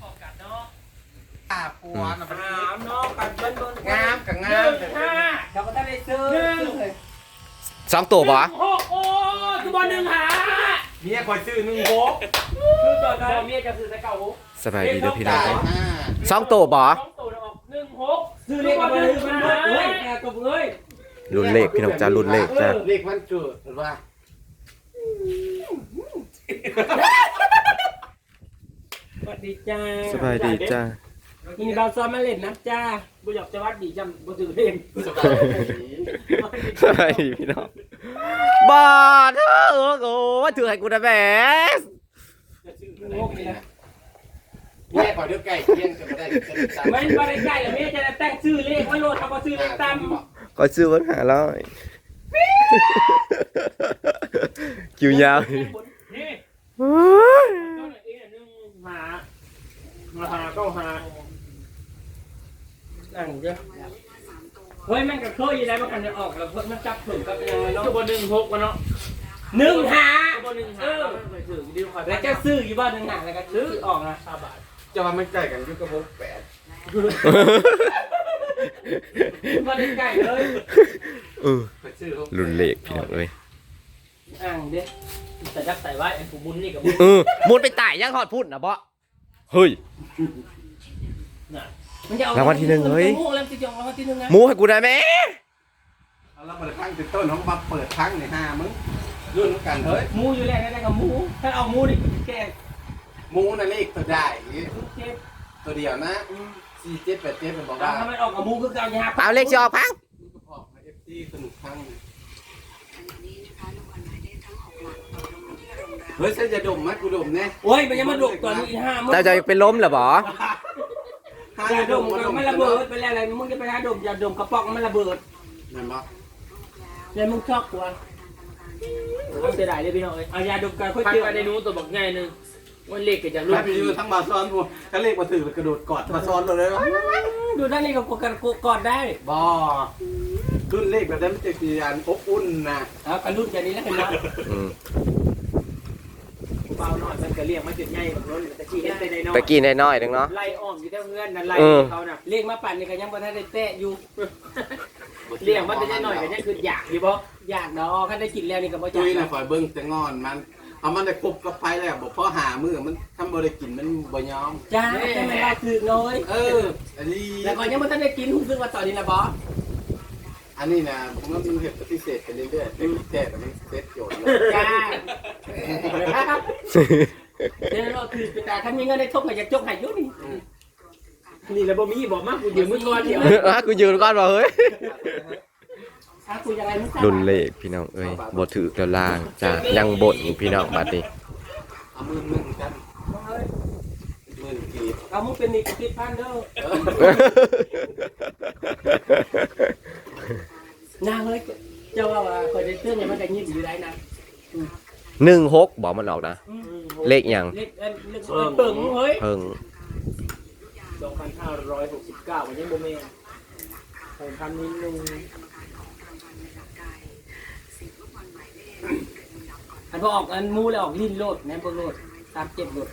ปัวน่ะมันเนาะปัดเบิ้ลงามกับงามเขาก็ได้ซื้อ 2ตัวบ่โอ้โอ้คือบอล1 5 เมียคอยซื้อ1 6 คือตอนเมียจะซื้อแต่เก่าสบายดีเด้อพี่น้องได้ 2ตัวบ่ 2 ตัวออก1 6ซื้อเลขมาเลยมันเฮ้ยแกตัวเอ้ยรุ่นเลขพี่น้องจ้ารุ่นเลขจ้าเลขวันเกิดหรือว่าสวัสดีจ้าสบายดีจ้ามีบางซ้อมมาเล่นนะจ้าบุญหยอกจะวัดดีจำบุตรเล่นสบายดีสบายดีพี่น้องบาดเถอะโอ้ว่าถือให้กูนะแหมงกเลยนะเมียคอยเดือดไก่เที่ยงจะไม่ได้จะได้ไม่มาได้ใกล้แล้วเมียจะแต่งชื่อเลขว่าโลทำมาซื้อเลขตามก็ซื้อวัน500คิวยาวนี่โอ้ยหาก็หานั่งเยอะเฮ้ยแม่งก็เคยอยู่แล้วมันกันจะออกแล้วเพิ่มมันจับถึงกับยังไงเนาะตัว1 6วะเนาะ1 5ตัว1 5แล้วจะซื้ออยู่บ้าน1 5แล้วก็ซื้อออกนะ5 บาทจะว่ามันใกล้กันอยู่กับ6 8 มาได้ใกล้เลยไปซื้อรุ่นเลขพี่น้องเอ้ยอ่างเด้แต่ยักใส่ไว้ไอ้ผู้บุญนี่กับมุนไปตายยังหอดพุ่นนะบ่เฮ้ยมันจะเอารางวัลที่หนึ่งเฮ้ยมูแล้วจะจองรางวัลที่1นะหมูให้กูได้ไหมเอาแล้วมาทั้งติดต้นของบับเปิดทั้งใน5มึงรุ่นกันเฮ้ยมูอยู่แล้วได้กับมูถ้าเอามูนี่แก่มูน่ะเลขตัวได้เจ็บตัวเดียวนะ4 7 8 7เป็นบอกว่าถ้ามันออกกับมูคือเอายาเอาเลขจะออกพังมึงก็พอมา FT สนุกทั้งเฮ้ยฉันจะดมไหมกูดมแน่โอ้ยมันยังมาดุก่อนอีก5 เจ้าจะเป็นล้มเหรอบ่ยาดมมันระเบิดไปแล้วอะไรมึงจะไปหาดมยาดมกระป๋องมันระเบิดนั่นบ่แล้วมึงชอบกว่าเอาเสียดายเลยพี่น้องเอ้ยเอายาดมกันค่อยพันเจอไปในนู้นตัวบอกง่ายนึงวันเล็กก็จะรูรุ่ปนอยู่ทั้งบาซ้อนกูก็เลขมาถือกระโดดกอดมาซ้อนเลยวะดูด้านนี้กับกันกอดได้บ่รุ่นเลขแบบนั้นมันจะกี่อันอบอุ่นนะเอากระลุ่นอย่างนี้แล้วเห็นไหมอืมเบาหน่อยมันก็เรียกมาจุดใหญ่แบบนั้นแต่ที่เห็นไปในน้อยตะกี้น้อยๆนึงเนาะไล่อ้อมอยู่แถวเพื่อนนั่นไล่เออเขาน่ะเรียกมาปั่นนี่ก็ยังบ่ทันได้แตะอยู่เรียกมันจะหน่อยก็ยังคืออยากอยู่บ่อยากเนาะคันได้กินแล้วนี่ก็บ่อยาจุ้กยนะคอยเบิ้งแต่งอนมันเอามันได้ครบกับไฟแล้วบอกพ่อหามือมันทำบ่ได้กินมันบ่ยอมจ้าแต่ไม่ได้คือน้อยเอออันนี้แล้วก็ยังบ่ทันได้กินรู้สึกว่าตอนนี้นะบอสอันนี้นะผมว่ามันเห็ดปฏิเสธไปเรื่อยๆเป็นแท้แต่มันเซตโจทย์เลยจ้าเดี๋ยวเราคือแต่คันมีเงินได้ทบก็อยากจกให้อยู่นี่นี่แล้วบ่มีบอกมากกูยืมมือก่อนเดียวอ่ะกูยืนก่อนบ่เฮ้ยถ้าคุยอะไรมึงรุ่นเลขพี่น้องเอ้ยบ่ถือแล้วล่างจ้ายังบ่นพี่น้องบัดนี้เอามือมึงกันมือกีบเอามึงเป็นนี่ติดพันเด้อนาเฮ้ยเจ้าว่าคอยได้เตือนอย่างมันก็ยิ้มอยู่ได้นะ 16บอกมันออกนะ เลขหยังเล็กเปิ่งเฮ้ยเพิ่ง 2,569วันนี้บ่แม่น6,000นิดนึงอันพอออกอันมูแล้วออกลิ้นโลดแม่บ่โลด37โลด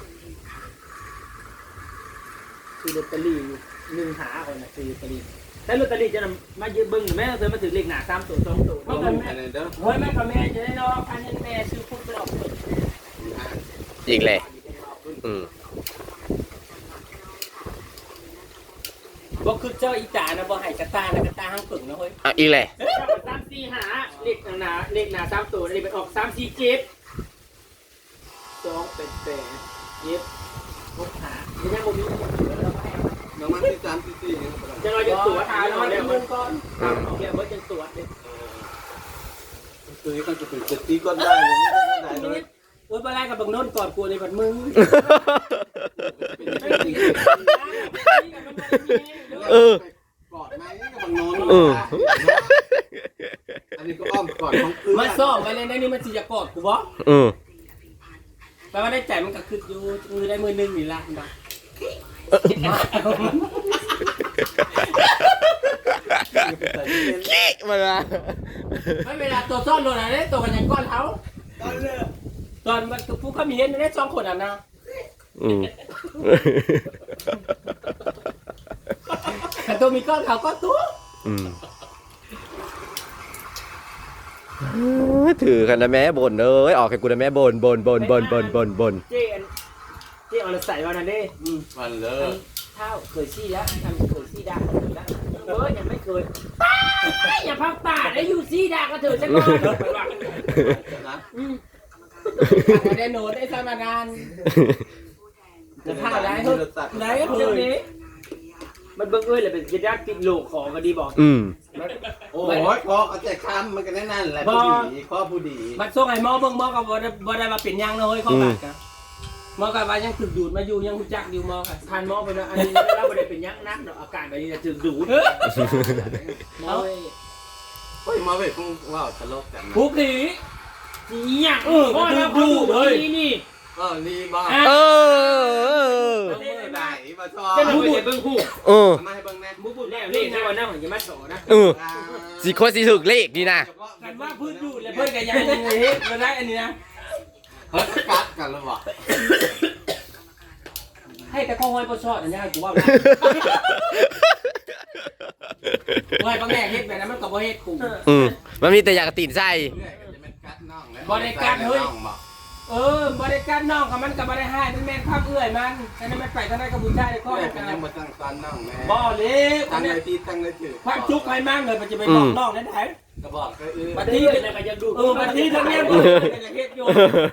คือลอตเตอรี่1หาคนน่ะคือลอตเตอรี่แต่ลอตเตอรี่จะนำมายืมเบิ่งแม่เธอมาถือเลขหน้า3ตัว2ตัวเอามือกันเด้อเฮ้ยแม่กับแม่จะได้เนาะพันแม่ซื้อพุทธไปออกอีกเลยอืมบ่คือเจ้าอีจ๋านะบ่ให้กระตานะกระตาห้างปึ่งนะเฮ้ยอ่ะอีกเลย 3 4 5เลขหน้า3ตัวนี่ไปออก3 4 7 2 8 8 7 6 5ยังบ่มีน้ำมันที่3ที่4นี่ก็ได้จะรอจะตรวจหาแล้วแล้วเดี๋ยวมึงก่อนเดี๋ยวมันจะตรวจเลยคือมันจะเป็น70ก็ได้ไม่ได้เลยโอ้ยบ่ไล่กับบังโน่นก่อนกูในบัดมึงเออกอดไหมกับบางโน้นเอออันนี้ก็อ้อมกอดของเพื่อนมาซ่อมไว้เลยได้นี่มันสิจะกอดกูบ่อืมแปลว่าได้ใจมันก็คืออยู่มือได้มือนึงนี่ล่ะนะขี้มาละไม่เวลาตัวซ่อนโดนอะไรตัวกันยังก้อนเท้าตอนมันผู้เขามีเห็นได้2คนอ่ะนะอืมแต่ตัวมีก้อนเขาก็ตัวอืมถือกันนะแม่บ่นเอ้ยออกให้กูนะแม่บ่นเจ๊เอาละใส่วันนั้นเด้มันเลเท้าเคยซี่แล้วทำเคยซี่ดาแล้วยังไม่เคยอย่าพักป่าได้อยู่ซี่ดาก็เถอะฉันก่อนไปว่านะได้โน้ตได้สมานจะพาได้เฮ้ยได้เฮ้ยมันเบิ่งเลยเลยเป็นญาติติดโลกของก็ดีบอกอืมโอ้ยคอเอาใจคำมันก็นั่นแหละผู้ดีข้อผู้ดีบัดส่งให้หมอเบิ่งหมอก็บ่ได้มาเป็นยังนะเฮ้ยข้อบาดกันหมอก็ว่ายังถูกดูดมาอยู่ยังรู้จักอยู่หมอค่ะทานหมอไปแล้วอันนี้เราไม่ได้เป็นยักษ์นักดอกอาการแบบนี้จะถึงดูดหมอเฮ้ยมาเว้ยคงว้าวตลกกันผู้ผีเนี่ยพ่อเราดูเลยนี่นี่บ้าเออเมื่อไหนมาชอจะบดูเบิ่งคู่เออมาให้เบิ่งแน่มูบุแล้วเล่นในวันนั้นอย่ามาสอนะเออสิคนสิถึกเลขนี่นะกันว่าพื้นดูดแล้วเพิ่นก็ยังเฮ็ดบ่ได้อันนี้นะเฮ้ยกัดกันแล้ววะให้แต่ข้อห้อยบ่ชอดอันนี้กูว่าห้อยบางแง่เฮ็ดแบบนั้นมันก็บ่เฮ็ดกูอืมมันมีแต่อยากตีนใส่บ่ได้กัดน้องกับมันก็บ่ได้ให้มันแม่นความเอื้อยมันอันนั้นมันไปทางใดก็บุญได้ข้อแม่กักัน นยังมาตั้งตอนน้องแม่บ่เลยตั้งเลยตีตั้งเลยถือความทุกข์ให้มั่งเลยมันจะไปบอกน้องนั้นได้กระบอกก็บัดนี้เป็นอะไรยังดูบัดนี้ทั้งนี้บ่จะเฮ็ดอยู่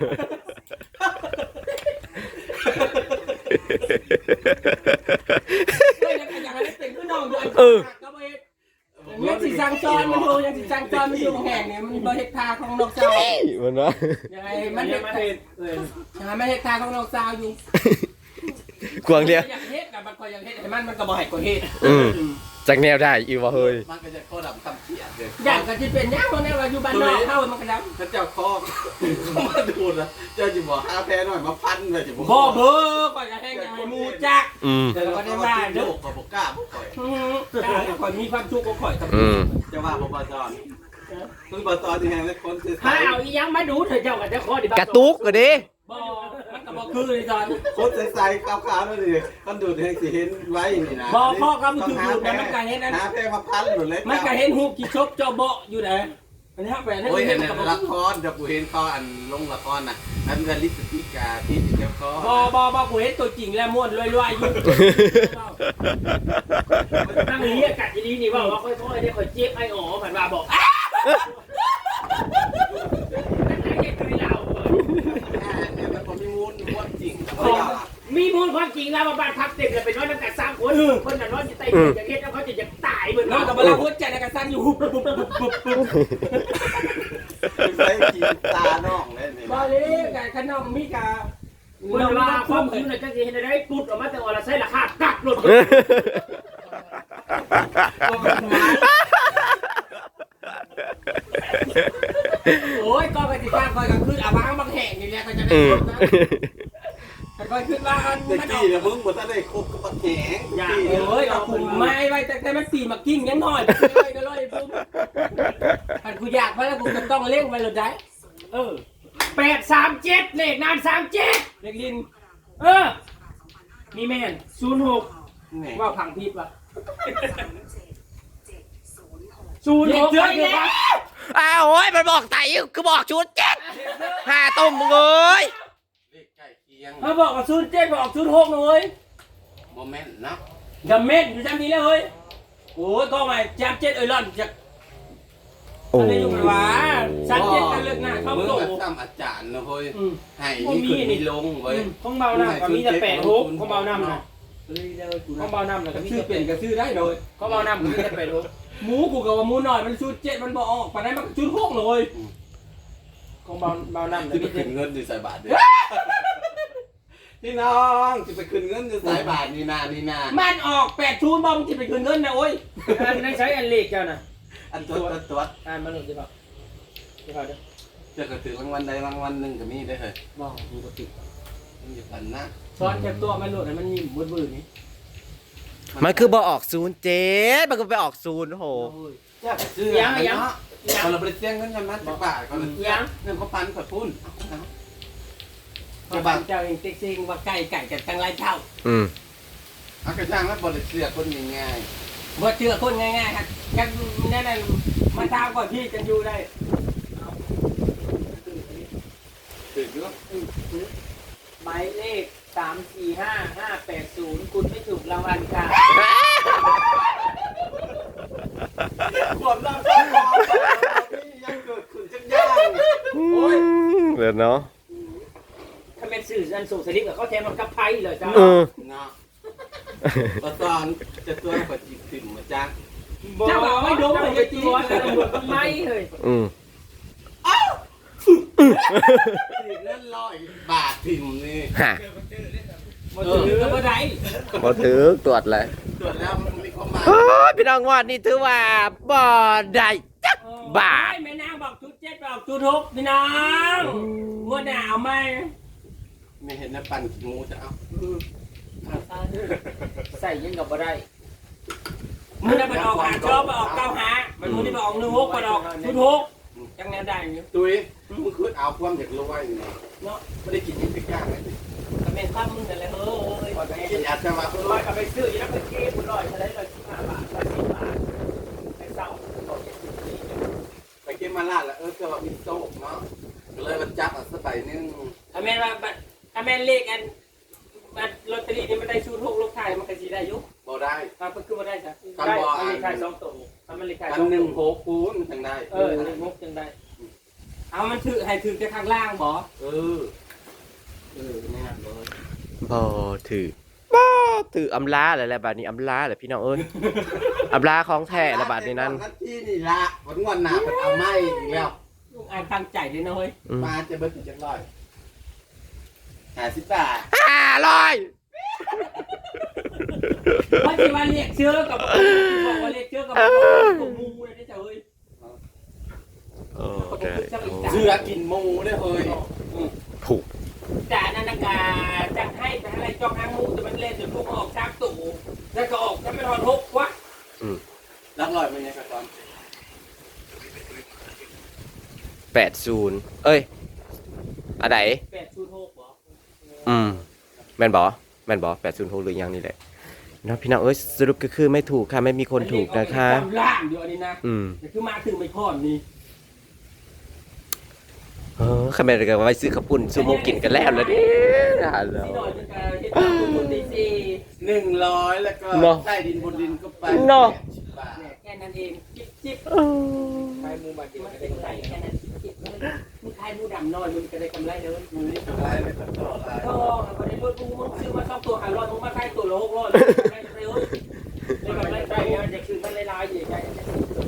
อย่างนั้นเป็นคือน้องด้วยก็บ่เฮ็ดยังสิสั่งจอนมันอยู่ยังสิสั่งจอนมันอยู่แห่งเนี่ยมันบ่เฮ็ดทาของนกเจ้ามันวะยังไงมันเฮ็ดมาเฮ็ดมันเฮ็ดทาของนกเจ้าอยู่กวางเดียวอยากเฮ็ดน่ะมันก็อยากเฮ็ดให้มันก็บ่ให้ก็เฮ็ดจากแนวได้อีวะเฮ้ยมันก็จะโคตรทำเสียเลยอยากก็สิเป็นยังว่าแนวว่าอยู่บ้านนอกเฮามันก็ดำถ้าเจ้าคอมาดูนะเจ้าจะบอกหาแพ้หน่อยมาพันเลยจะบอกบ่เบ้อก่อนจะแห้งอย่างมูจักอืมเดี๋ยวก็ได้ว่าเด้อขอบอกกล้าบอกข่อยก่อนมีความทุกข์ก็ข่อยกับอืมจะว่าบอกบอจอนคือบอจอนที่แห่งเล็กคนคือถ้าเอาอียังมาดูเถอะเจ้ากับเจ้าข้อดีกระตุกก็ดิบ่มันก็บ่คือเลยจอนคนใสๆขาวๆนั่นดิคนดูดแห่งสิเห็นไว้นี่นะหาแพ้มาพันหมดเลยมันก็เห็นฮูบกี่ชบเจ้าเบาะอยู่ไหนอันนี้ครับแฟนให้โอ้ยเห็เห็นนกับละครเดี๋ยวกูเห็นเขาอันลงละครน่ะอันกันลิสติกาที่เจ้าก็บ่กูเห็นตัวจริงแล้วม่วนรวยๆอยู่ตั้งนี้อากาศดีนี่ว่าค่อยๆได้ค่อยเจ็บไอ้อ๋อผ่านมาบอกมีมูลความจริงแล้วมาบ้านพักเต็มเลยเป็นน้อยตั้งแต่3 คนคนน่ะน้อยจะตายจะเฮ็ดแล้วเขาจะตายเหมือนน้องกับเวลาหัวใจในกระสันอยู่ปุ๊บใส่กีตาน้องเลยนี่บ่เลยกับขนมมีกะคนว่าความจริงน่ะจังสิเฮ็ดได้ปุ๊บออกมาแต่ว่าละใช้ราคากักรถโอ้ยก็ไปติดตามคอยกันขึ้นอาบ้างบางแห่งนี่แหละก็จะได้ขึ้นนะคอยขึ้นว่าอันแต่มันกี้เนี่ยมึงบ่ทันได้คบกับแหงอย่าเอ้ยเอาผมไม้ไว้แต่มันปีมากิ้งยังหน่อยเลยก็เลยปุ๊บอันกูอยากเพราะแล้วกูจะต้องเล่งไปเลยได้ 837เลขนาน37 เล็กลินนี่แม่น06 ว่าพังพิษว่ะ 06 เยอะไปเลยแล้วอ้าวโอ้ยมันบอกไต่คือบอกชุดเจ็ดหาต้มมึงเอ้ยเลขใกล้เคียงเขาบอกว่า07บอก06เลยโมเมนต์นะกับเม็ดอยู่จำนี้แล้วเฮ้ยโอ้ยก็ไม่จำ7ร่อนจะโอ้อะไรอยู่กันวะ37กันเลิกหน้าเข้ามึงโตแบบซ้ำอาจารย์นะเฮ้ยอืมให้นี่ขึ้นนี่ลงเว้ยของเบาน้ำก็มีแต่86ของเบาน้ำนะของเบาน้ำก็มีชื่อแต่เปลี่ยนก็ชื่อได้เลยของเบาน้ำก็มีแต่86 หมูกูกับว่าหมูหน่อยมันชุด7มันบอกออกปานนั้นมันชุด6เลยของเบาน้ำจะก็ไปมีแต่ขึ้นเงินอยู่สายบาทเด้อพี่น้องจะไปขึ้นเงินอยู่สายบาทนี่นานี่นามันออก8ชุดบ่มึงสิไปคืนเงินนะโอ้ยในใช้อันเลขเจ้าน่ะอันตัวอ่านมาหนึ่งสิครับเดี๋ยวเด้อจะกระถือรางวัลใดรางวัลหนึ่งก็มีได้เลยบอกดูกติกมันอยู่พันนะซ้อนแคบตัวมันโหลดให้มันยิ้มบื้อๆนี่มันคือบอกออก07มันก็ไปออก0โหจะซื้อเนาะพอเราไปเสียงเงินกันมาจากบาทก่อนเงินเขาปันกับพุ่นจะบางเจ้าเองติ๊กซิงว่าไก่กันตั้งหลายเท่าเอากระช่างแล้วบริเสียคนง่ายบ่เชื่อคนง่ายๆครับกันนั่นมาตามก่อนพี่กันอยู่ได้ๆถือว่าหมายเลข345580คุณไม่ถูกรางวัลค่ะความรักของเรายังเกิดขึ้นจังย่างโอ้ยเดี๋ยวเนาะถ้าเป็นสื่ออันส่งสลิปกับเขาแทนมันกับไพ่เลยจ้าเนาะตอนจะตัวกว่าจีบถิ่มมาจ้าเจ้าบอกไม่ดมเลยตัวแต่ตำรวจต้องไม่เลยถึงนั่น100 บาทถิ่มนี่ฮะบ่ถือก็บ่ได้บ่ถือตรวจเลยตรวจแล้วมันมีความหมายโอ้ยพี่น้องว่านี่ถือว่าบ่ได้จักบาทแม่นางบอกจุด7บอกจุด6พี่น้องงวดหน้าเอาไหมไม่เห็นนะปั่นงูจะเอาใส่ยังกับบ่ได้มึงได้ไปออกหาชอบไปออก9หามันมึงได้ไปออก16ไปออกจุด6จังแนวได้อยู่ตุ้ยมึงคือเอาความอยากรวยนี่เนาะไม่ได้กินยิ่งย่างเลยก็แม่นภาพมึงนั่นแหละเฮ้ยกินอาจจะมาร้อยกับไปซื้อยังไปเก็บร้อยอะไร115 บาท110 บาทไปเศร้าไปเก็บมาลาดแล้วก็ว่ามีโต๊ะเนาะก็เลยมันจับอ่ะสักใบนึงอเมนว่าอเมนเลขอันลอตเตอรี่นี่มันได้ชุด6ลูกไทยมันก็สิได้อยู่บ่ได้ครับก็คือบ่ได้จ้ะได้มันเลขท้าย2ตัวมันเลขท้ายกัน 2 หตันึ่วงโหคูณทางได้เลข6จังได้เอามันถือให้ถือแต่ข้างล่างบ่นี่นะเลยบ่ถือบ่ถืออำลาอะไรแหละบาดนี้อำลาแหละพี่น้องเอ้ยอำลาของแท้ละบาดนี้นั้นที่นี่ละวันหน้าเป็นเอาไม้อีกแล้วลุงอายตั้งใจด้วยนะเฮ้ยมาจะเบิดจังร้อย50 บาทว่าสิว่าเรียกเชื้อกับบอกว่าเรียกเชื้อกับมูเลยได้จ้ะเฮ้ยโอ้ได้เสือกินหมูได้เฮ้ยถูกจ่านันกาจังให้ไปอะไรจองหางมูแต่มันเล่นจนพวกออกจากตู่แล้วก็ออกจะไม่ทอน6วะรักลอยมันยังกระตอน 80เอ้ยอันไหน 806บ่แม่นบ่806หรือยังนี่แหละเนาะพี่น้องเอ้ยสรุปก็คือไม่ถูกค่ะไม่มีคนถูกนะคะล่างเดียวนี่นะคือมาถึงไม่พอนี่คำแม่นก็ไว้ซื้อข้าวปุ้นซูโม่กินกันแล้วล่ะดิฮัลโหลที่หน่อยจะการเฮ็ดตามคุณตีซี 100แล้วก็ใต้ดินบนดินก็ไป80 บาทแค่นั้นเองจิ๊บใครมูมากินมันก็เป็ได้นไก่แค่นั้นจิ๊บมึงขายมูดำน้อยมึงก็ได้กำไรเลยมึงนี่อะไรไม่ต้องต่ออะไรก็พอได้รถมึงซื้อมา2ตัว500มึงมาขายตัวละ600ได้กำไรเอ้ยได้กำไรใจได้จะคือมันลายๆอยู่ใจจะ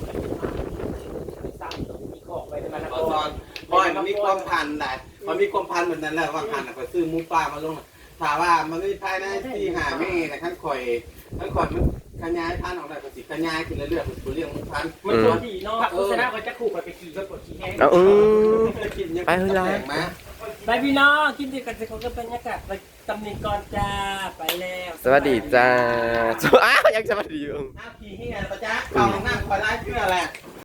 สามตัวมีของไปมันตอนบอยมันมีความพันได้มันมีความพันแบบนั้นแหละว่าพันก็ซื้อหมูปลามาลงถามว่ามันไม่ภายในที่หาไม่นะขั้นข่อยมันขยายพันออกได้ก็สิขยายขึ้นเรื่อยๆคือเรื่องหมูพันมันตัวดีเนาะโฆษณาก็จะขู่ไปขี่ก็กดขี่แห้งเอากินยังไปเฮ้ยล่ะมาไปพี่น้องกินดีกันสิเขาก็บรรยากาศไปตำหนิก่อนจ้าไปแล้วสวัสดีจ้าอ้าวยังสวัสดีอยู่อ้าวขี่ที่ไหนปะจ๊ะเอาหน้าคอยไล่เชื่อแหละ